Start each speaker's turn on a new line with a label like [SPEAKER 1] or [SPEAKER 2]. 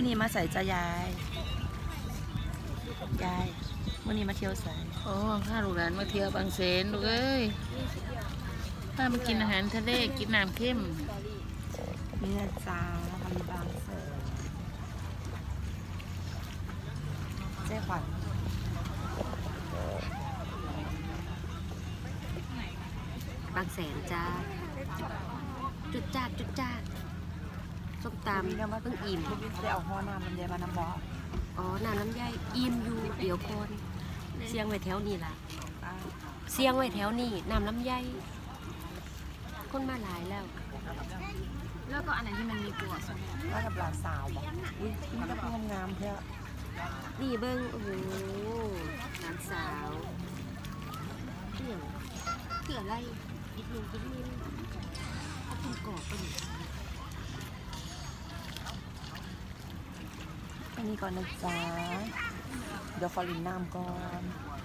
[SPEAKER 1] นี้มาใส่จะยายมื่อนี้มาเที่ยวใส่
[SPEAKER 2] โอ้ข้าลูกหลานมาเที่ยวบางแสนลูกเอ้ยข้ามากินอาหารทะเลกินน้ำเข้ม
[SPEAKER 1] นี่นะจ๊ะนะคะมีบางแสนเจ๊ขวัญ
[SPEAKER 3] บางแสนจ้าจุดจ้าส้มตำเพิ่งอิ่ม
[SPEAKER 1] ได้เอาห่อน้ำมันเยอะมาน้ำบอ
[SPEAKER 3] อ๋อน้ำใยอิ่มอยู่เดี๋ยวคนเสียงไว้แถวนี้ล่ะเสียงไว้แถวนี้น้ำลำไยคนมาหลายแล้ว
[SPEAKER 4] แล้วก็อันไหนที่มันมีตัวส
[SPEAKER 1] ว่ากับหลานสาวบอกอุ้ยนี่ก็พูดงามๆเพื่อ
[SPEAKER 3] นี่เบิ้งโอ้โหหลานสาวเกี่ยวเกี่ยวอะไรอีกหนึ่งเอาคุณกรอบไปหนึ่ง
[SPEAKER 1] แค่นี้ก่อนนะจ๊ะเดี๋ยวขอลินน้ำก่อน